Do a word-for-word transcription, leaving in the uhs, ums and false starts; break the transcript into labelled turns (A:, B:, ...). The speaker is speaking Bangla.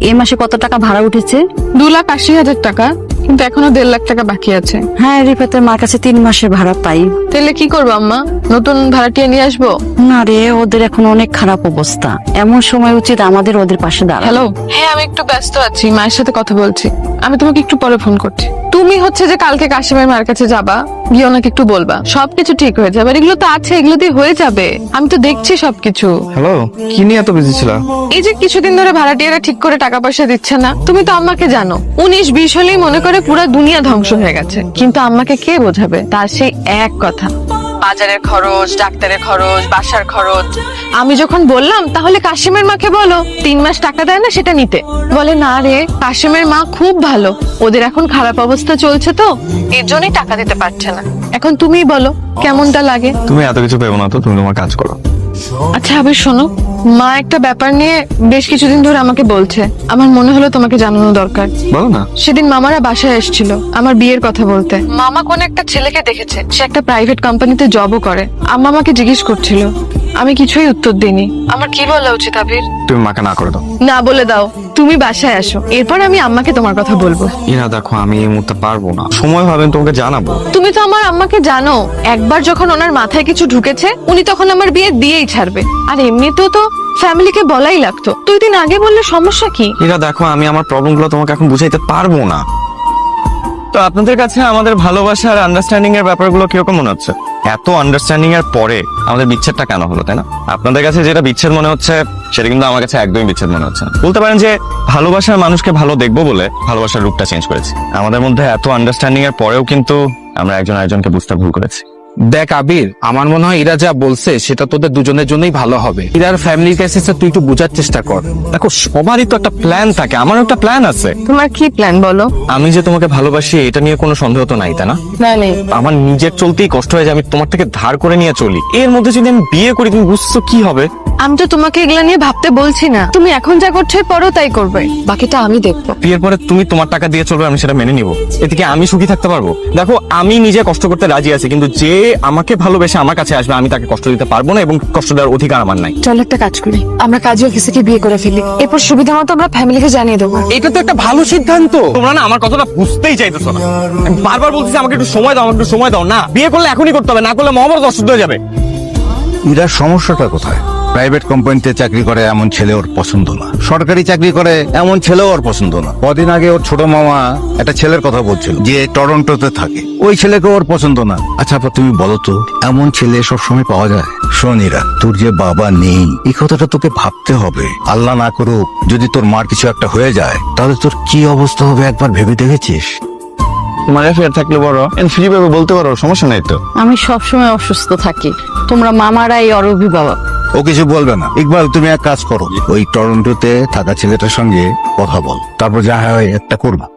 A: এই মাসে কত টাকা ভাড়া উঠেছে?
B: দু লাখ আশি হাজার টাকা, কিন্তু এখনো দেড় লাখ টাকা বাকি আছে।
A: হ্যাঁ, রিফাতের মার কাছে তিন মাসের ভাড়া পাই।
B: তাহলে কি করবো আম্মা? নতুন ভাড়াটিয়া নিয়ে আসবো?
A: না রে, ওদের এখন অনেক খারাপ অবস্থা। এমন সময় উচিত আমাদের ওদের পাশে দাঁড়ানো।
B: হ্যালো, হ্যাঁ আমি একটু ব্যস্ত আছি, মায়ের সাথে কথা বলছি। আমি তোমাকে একটু পরে ফোন করছি। তুমি হচ্ছে যে কালকে কাশিমের মার কাছে যাবা, গিয়ে ওনাকে একটু বলবা সবকিছু ঠিক হয়ে যাবে। আর এগুলো তো আছে, এগুলো দিয়ে হয়ে যাবে। আমি তো দেখছি সবকিছু।
C: হ্যালো, কি নিয়ে এত বিজি ছিল?
B: এই যে কিছুদিন ধরে ভাড়াটিয়ারা ঠিক করে টাকা পয়সা দিচ্ছে না, তুমি তো আম্মাকে জানো। উনিশ বিশ হলেই মনে করে পুরো দুনিয়া ধ্বংস হয়ে গেছে, কিন্তু আম্মাকে কে বোঝাবে? তার সেই এক কথা, বাজারের খরচ, ডাক্তারের খরচ, বাসার খরচ। আমি যখন বললাম তাহলে কাশিমের মাকে বলো তিন মাস টাকা দেয় না সেটা নিতে, বলে না রে, কাশিমের মা খুব ভালো, ওদের এখন খারাপ অবস্থা চলছে তো এর জন্যই টাকা দিতে পারছে না। এখন তুমিই বলো কেমনটা লাগে?
C: তুমি এত কিছু পেবো না তো, তুমি তোমার কাজ করো।
B: আচ্ছা আবির শোনো, মা একটা ব্যাপার নিয়ে বেশ কিছুদিন ধরে আমাকে বলছে, আমার মনে হলো তোমাকে জানানো দরকার।
C: বলো না।
B: সেদিন মামারা বাসায় এসেছিল আমার বিয়ের কথা বলতে। মামা কোন একটা ছেলেকে দেখেছে, সে একটা প্রাইভেট কোম্পানিতে জবও করে। আম্মা আমাকে জিজ্ঞেস করছিল, আমি কিছুই উত্তর দিইনি। আমার কি বলা উচিত আবির?
C: তুমি মাকে না করে দাও।
B: না বলে দাও, তুমি বাসায় আসো, এরপর আমি আম্মাকে তোমার কথা বলবো।
C: ইরা দেখো, আমি এই মুহূর্তে পারবো না, সময় হবে আমি তোমাকে জানাবো।
B: তুমি তো আমার আম্মাকে জানো, একবার যখন ওনার মাথায় কিছু ঢুকেছে উনি তখন আমার বিয়ে দিয়েই ছাড়বে। আর এমনিতেও তো ফ্যামিলিকে বলাই লাগতো, দুই দিন আগে বললে সমস্যা কি?
C: ইরা দেখো, আমি আমার প্রবলেম গুলো তোমাকে এখন বুঝাইতে পারবো না। তো আপনাদের কাছে আমাদের ভালোবাসা আর আন্ডারস্ট্যান্ডিং এর ব্যাপারগুলো কিরকম মনে হচ্ছে? এত আন্ডারস্ট্যান্ডিং এর পরে আমাদের বিচ্ছেদটা কেন হলো, তাই না? আপনাদের কাছে যেটা বিচ্ছেদ মনে হচ্ছে সেটা কিন্তু আমার কাছে একদমই বিচ্ছেদ মনে হচ্ছে না। বলতে পারেন যে ভালোবাসার মানুষকে ভালো দেখবো বলে ভালোবাসার রূপটা চেঞ্জ করেছি। আমাদের মধ্যে এত আন্ডারস্ট্যান্ডিং এর পরেও কিন্তু আমরা একজন আরেকজনকে বুঝতে ভুল করেছি।
D: দেখ আবির, আমার মনে হয় ইরা যা বলছে সেটা তোদের দুজনের জন্যই ভালো হবে। ইরার ফ্যামিলির কাছে তুই একটু বোঝার চেষ্টা কর।
C: দেখো, সবারই তো একটা প্ল্যান থাকে, আমারও একটা প্ল্যান আছে।
B: তোমার কি প্ল্যান বলো?
C: আমি যে তোমাকে ভালোবাসি এটা নিয়ে কোনো সন্দেহ তো নাই, তাই না?
B: না নেই।
C: আমার নিজের চলতেই কষ্ট হয়ে যায়, আমি তোমার থেকে ধার করে নিয়ে চলি। এর মধ্যে যদি আমি বিয়ে করি, তুমি বুঝছো কি হবে?
B: আমি তো তোমাকে এগুলা নিয়ে ভাবতে বলছি না, তুমি এখন যা করছো পরও তাই করবে, বাকিটা আমি দেখবো।
C: বিয়ের পরে তুমি তোমার টাকা দিয়ে চলবে, আমি সেটা মেনে নিব। এদিকে আমি সুখী থাকতে পারবো? দেখো, আমি নিজে কষ্ট করতে রাজি আছি, কিন্তু যে আমাকে ভালোবেসে আমার কাছে আসবে আমি তাকে কষ্ট দিতে পারবো না, এবং কষ্ট দেওয়ার অধিকার আমার নাই।
B: চল একটা কাজ করি, আমরা কাজী অফিসে বিয়ে করে ফেলি, এরপর সুবিধা মতো আমরা ফ্যামিলিকে জানিয়ে দেবো।
D: এটা তো একটা ভালো সিদ্ধান্ত।
C: তোমরা না আমার কথাটা বুঝতেই চাইতেছো না। আমি বারবার বলতেছি আমাকে একটু সময় দাও, আমাকে একটু সময় দাও। না, বিয়ে করলে এখনই করতে হবে, না করলে মহাভারত অশুদ্ধ হয়ে যাবে।
E: ইরার সমস্যাটা কোথায়? প্রাইভেট কোম্পানিতে চাকরি করে এমন ছেলে ওর পছন্দ না, সরকারি চাকরি করে এমন ছেলেও ওর পছন্দ না। কদিন আগে ওর ছোট মামা একটা ছেলের কথা বলছিল যে টরন্টোতে থাকে, ওই ছেলেকে ওর পছন্দ না। আচ্ছা আপা, তুমি বলো তো, এমন ছেলে সবসময় পাওয়া যায়? শোন ইরা, তোর যে বাবা নেই এই কথাটা তোকে ভাবতে হবে। আল্লাহ না করুক যদি তোর মার কিছু একটা হয়ে যায়, তাহলে তোর কি অবস্থা হবে একবার ভেবে দেখেছিস?
C: তোমার অ্যাফেয়ার থাকলে বড় ফ্রি ভাবে বলতে পারো, সমস্যা নেই তো।
A: আমি সবসময় অসুস্থ থাকি, তোমরা মামারাই ওর অভিভাবক।
E: ও কিছু বলবে না। ইকবাল, তুমি এক কাজ করো, ওই টরন্টোতে থাকা ছেলেটার সঙ্গে কথা বল, তারপর যা হয় একটা করবা।